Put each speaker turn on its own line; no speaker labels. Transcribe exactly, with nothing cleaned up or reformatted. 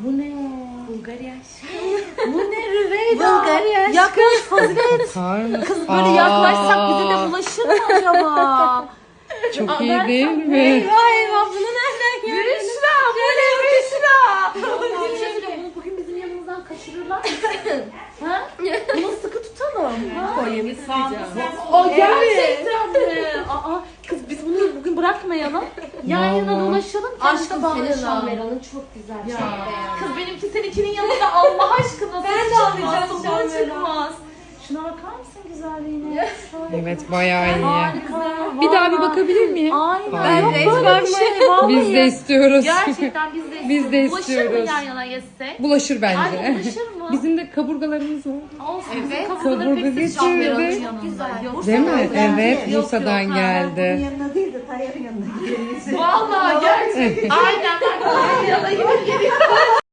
bu ne?
Bulgarya.
Bu ne Rüveyda?
Bulgarya.
Yaklaş Fazilet.
Kar mı?
Kız böyle
Aa,
yaklaşsak bize de bulaşır mı acaba?
Çok iyi değil mi?
Eyvah eyvah bunu nereden gördün?
Büşra bu ne Büşra?
Bir şey söyleyeyim, bunu bugün bizim yanımızdan kaçırırlar mı?
Ha? Bunu sıkı tutalım.
Kolyemi sıkacağım.
O gerçekten mi? Aa, kız biz bunu bugün bırakmayalım. Yan yana
Vallahi.
dolaşalım.
Aşkım
kendimize
senin
bağlayalım.
şamberanın çok güzel.
Ya.
Çok beğendim.
Kız benimki seninkinin yanında Allah aşkına.
Ben de
çıkmaz,
alacağım
sokağa
şamberan.
çıkmaz. Şuna bakar mısın güzelliğine?
Evet bayağı iyi.
Harika.
Bir daha bir
vallahi.
bakabilir miyim?
Aynen.
Ben
Yok
resmen
böyle bir şey. Vallahi.
Biz de istiyoruz.
Gerçekten biz de istiyoruz.
Biz de
Bulaşır mı
istiyoruz.
yan yana yesek?
Bulaşır
Ay
bence.
bulaşır mı?
Bizim de kaburgalarımız var.
Olsun.
Evet.
Bizim kafaları
Kaburga
pek
getirdi.
şamberanın
Çok
yanında.
güzel.
Yok,
Değil mi?
Bursa'dan
Evet,
geldi. Yok,
Bursa'dan
yok, ha.
geldi.
Bunun yanına değil de Tayyar'ın yanına gidelim.
Vallahi gerçekten. Aynen bak. Yan yana gidip geliyor.